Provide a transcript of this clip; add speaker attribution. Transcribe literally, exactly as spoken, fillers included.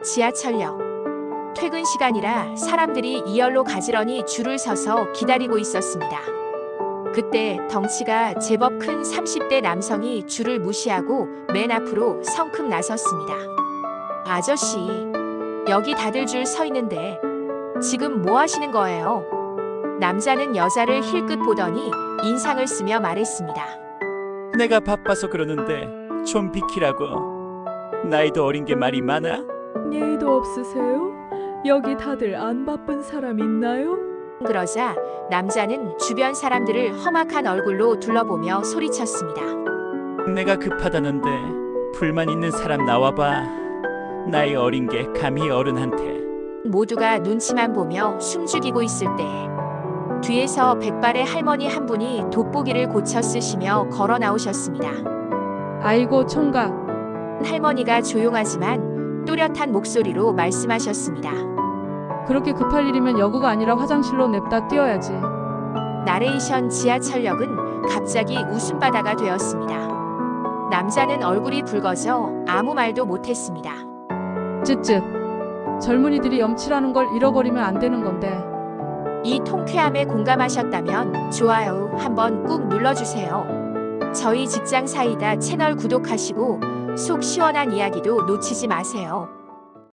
Speaker 1: 지하철역. 퇴근 시간이라 사람들이 이열로 가지런히 줄을 서서 기다리고 있었습니다. 그때 덩치가 제법 큰 삼십 대 남성이 줄을 무시하고 맨 앞으로 성큼 나섰습니다. 아저씨, 여기 다들 줄 서 있는데 지금 뭐 하시는 거예요? 남자는 여자를 힐끗 보더니 인상을 쓰며 말했습니다.
Speaker 2: 내가 바빠서 그러는데 좀 비키라고. 나이도 어린 게 말이 많아?
Speaker 3: 예의도 없으세요? 여기 다들 안 바쁜 사람 있나요?
Speaker 1: 그러자 남자는 주변 사람들을 험악한 얼굴로 둘러보며 소리쳤습니다.
Speaker 2: 내가 급하다는데 불만 있는 사람 나와봐. 나이 어린 게 감히 어른한테.
Speaker 1: 모두가 눈치만 보며 숨죽이고 있을 때 뒤에서 백발의 할머니 한 분이 돋보기를 고쳐 쓰시며 걸어 나오셨습니다.
Speaker 3: 아이고 총각,
Speaker 1: 할머니가 조용하지만 또렷한 목소리로 말씀하셨습니다.
Speaker 3: 그렇게 급할 일이면 여고가 아니라 화장실로 냅다 뛰어야지.
Speaker 1: 나레이션. 지하철역은 갑자기 웃음바다가 되었습니다. 남자는 얼굴이 붉어져 아무 말도 못했습니다.
Speaker 3: 쯧쯧. 젊은이들이 염치라는 걸 잃어버리면 안 되는 건데.
Speaker 1: 이 통쾌함에 공감하셨다면 좋아요 한번 꾹 눌러주세요. 저희 직장 사이다 채널 구독하시고 속 시원한 이야기도 놓치지 마세요.